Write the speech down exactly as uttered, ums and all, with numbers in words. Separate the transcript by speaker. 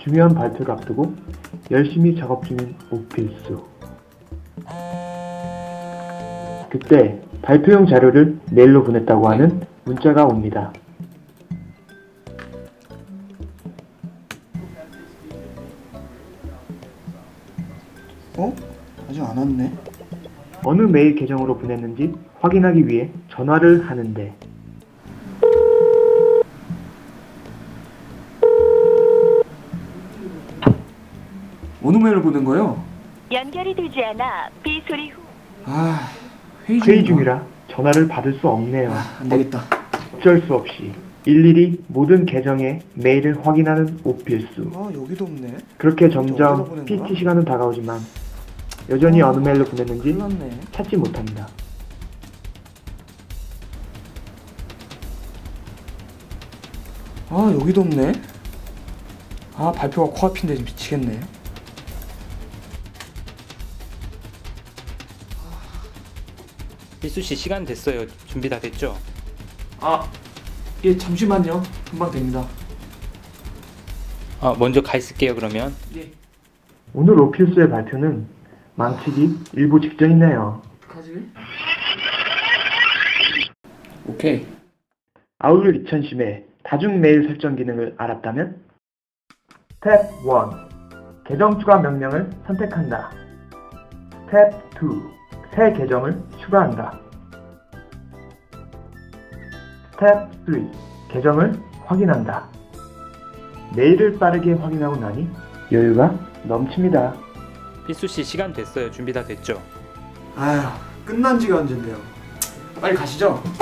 Speaker 1: 중요한 발표를 앞두고 열심히 작업 중인 오필수. 그때 발표용 자료를 메일로 보냈다고 하는 문자가 옵니다.
Speaker 2: 어? 아직 안 왔네?
Speaker 1: 어느 메일 계정으로 보냈는지 확인하기 위해 전화를 하는데
Speaker 2: 어느 메일을 보낸 거예요?
Speaker 3: 연결이 되지 않아 비소리 후.
Speaker 2: 아, 회의,
Speaker 1: 회의
Speaker 2: 중인가?
Speaker 1: 중이라 전화를 받을 수 없네요.
Speaker 2: 아, 안 되겠다.
Speaker 1: 어쩔 수 없이 일일이 모든 계정의 메일을 확인하는 오필수.
Speaker 2: 아, 여기도 없네.
Speaker 1: 그렇게
Speaker 2: 어디다
Speaker 1: 점점
Speaker 2: 보낸
Speaker 1: 피티
Speaker 2: 거야?
Speaker 1: 시간은 다가오지만 여전히
Speaker 2: 아,
Speaker 1: 어느 메일로 보냈는지
Speaker 2: 큰일 났네.
Speaker 1: 찾지 못합니다.
Speaker 2: 아, 여기도 없네. 아, 발표가 코앞인데 지금 미치겠네.
Speaker 4: 필수씨 시간 됐어요. 준비 다 됐죠?
Speaker 2: 아, 예, 잠시만요. 금방 됩니다.
Speaker 4: 아, 먼저 가 있을게요 그러면.
Speaker 2: 예.
Speaker 1: 오늘 오필수의 발표는 망치기 일보 직전이네요.
Speaker 2: 어떡하지? 오케이.
Speaker 1: 아울러 이천십의 다중 메일 설정 기능을 알았다면? 스텝 일. 계정 추가 명령을 선택한다. 스텝 이. 새 계정을 추가한다. 스텝 삼. 계정을 확인한다. 메일을 빠르게 확인하고 나니 여유가 넘칩니다.
Speaker 4: 필수씨 시간 됐어요. 준비 다 됐죠?
Speaker 2: 아휴, 끝난 지가 언젠데요. 빨리 가시죠.